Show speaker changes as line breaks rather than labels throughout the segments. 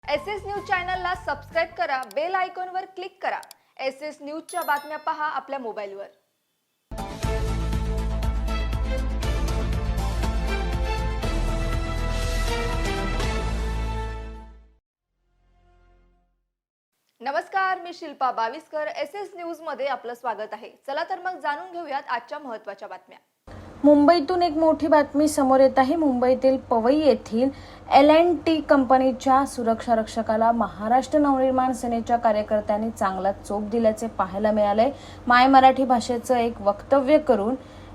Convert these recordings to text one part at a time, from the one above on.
SS news चॅनलला subscribe करा, bell आयकॉनवर क्लिक करा। SS न्यूजच्या बातम्या पहा आपल्या मोबाईलवर। नमस्कार, मी शिल्पा बाविस्कर। SS न्यूज मध्ये आपलं स्वागत आहे। चला तर मग जाणून घेऊयात आजच्या महत्त्वाच्या बातम्या।
मुंबईतून एक मोठी बातमी समोर येत आहे। मुंबईतील पवई येथील L&T कंपनीच्या सुरक्षा रक्षकाला महाराष्ट्र नवनिर्माण सेनेच्या कार्यकर्त्यांनी चांगला चोप दिल्याचे पाहायला मिळाले। माय मराठी भाषेचं एक वक्तव्य करून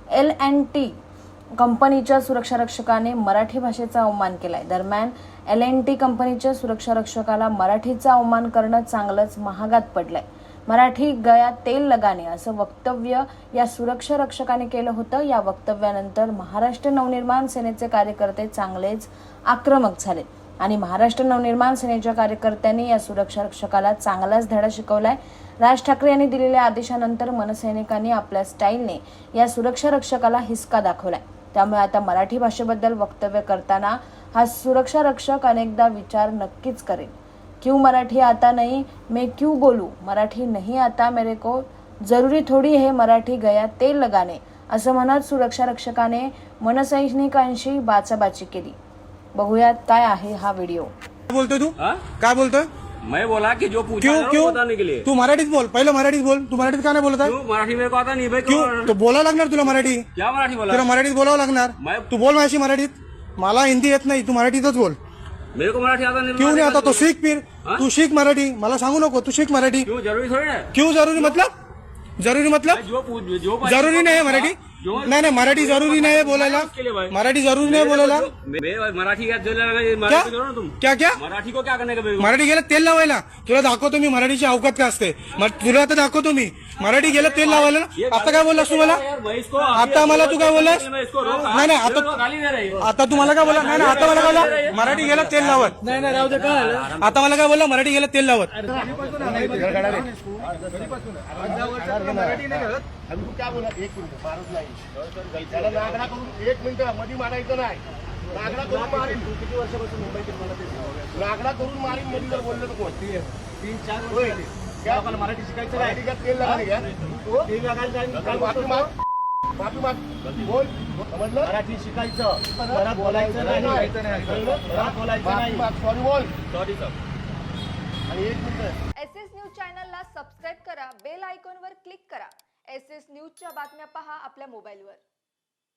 L&T कंपनीच्या सुरक्षा रक्षकाने मराठी भाषेचा अवमान केलाय। दरम्यान L&T कंपनीच्या सुरक्षा रक्षकाला मराठीचा अवमान करणं चांगलंच महागात पडलंय। मराठी गया तेल लगाने असं वक्तव्य या सुरक्षा रक्षकाने केलं होतं। या वक्तव्यानंतर महाराष्ट्र नवनिर्माण सेनेचे कार्यकर्ते चांगलेच आक्रमक झाले आणि महाराष्ट्र नवनिर्माण सेनेच्या कार्यकर्त्यांनी या सुरक्षा रक्षकाला चांगलाच धडा शिकवलाय। राज ठाकरे यांनी दिलेल्या आदेशानंतर मनसैनिकांनी आपल्या स्टाईलने या सुरक्षा रक्षकाला हिसका दाखवलाय। त्यामुळे आता मराठी भाषेबद्दल वक्तव्य करताना हा सुरक्षा रक्षक अनेकदा विचार नक्कीच करेल। क्यों मराठी आता नहीं, मैं क्यों बोलूं, मराठी नहीं आता मेरे को, जरूरी थोडी है मराठी गया तेल लगाने असं म्हणत सुरक्षा रक्षकाने मनसैनिकांशी बाचाबाची केली। बघूयात काय आहे हा व्हिडिओ।
क्या बोलतोय तू? काय बोलतोय?
मैं बोला कि जो पूछा
क्यों
था
क्यों
वो बताने के लिए।
तू मराठीत बोल, पहिले मराठीत बोल। तू मराठीत का नाही बोलत आहे?
क्यों मराठी मेरे को आता नहीं भाई।
क्यों? तो बोलावं लागणार तुला मराठी।
क्या मराठी बोला?
तुला मराठीत बोलावं लागणार। तू बोल माझ्याशी मराठीत। मला हिंदी येत नाही, तू मराठीतच बोल।
मेरे को मराठी आता नहीं।
क्यों नहीं आता? तो सीख फिर। तू सीख मराठी, मला सांगू नको। तू सीख मराठी।
क्यों जरूरी थोड़ी है?
क्यों जरूरी मतलब? जरूरी मतलब
जो
जरूरी नाही आहे मराठी। नाही नाही, मराठी जरूरी नाही बोलायला। मराठी जरूरी नाही बोलायला।
मराठी क्या तुम
क्या क्या
मराठी को क्या करने का?
मराठी गेलं तेल लावायला। तुला दाखवतो मी मराठीची अवकात काय असते। तुला आता दाखवतो मी मराठी गेलं तेल लावायला ना। आता काय बोललास तू मला? आता मला तू काय बोललास? नाही नाही, आता तुम्हाला काय बोला? नाही नाही, आता मला काय बोला? मराठी गेलं तेल लावत। नाही नाही, राहू दे। काय आता मला काय बोलला? मराठी गेलं तेल लावत।
क्या बोला? 1 मिनिट मारत नाही त्याला नागडा करून 1 मिनिट मध्ये मारायचं नाही। नागडा करून मारीन। तू किती वर्षापासून मुंबईत मला ते नागडा करून मारीन मध्ये जर बोललं तर कोण? 3-4 वर्ष झाली। क्या मला मराठी शिकायचं नाही? मराठी तेल लगाने घ्या। तेल लगायचं माफी माग, माफी माग, बोल। समजलं? मराठी शिकायचं, परत बोलायचं नाही, परत बोलायचं नाही। सॉरी बोल। Sorry sir. आणि 1 मिनिट
SS न्यूज चॅनलला सबस्क्राइब करा, बेल आयकॉनवर क्लिक करा। SS न्यूजच्या बातम्या पहा आपल्या मोबाईलवर।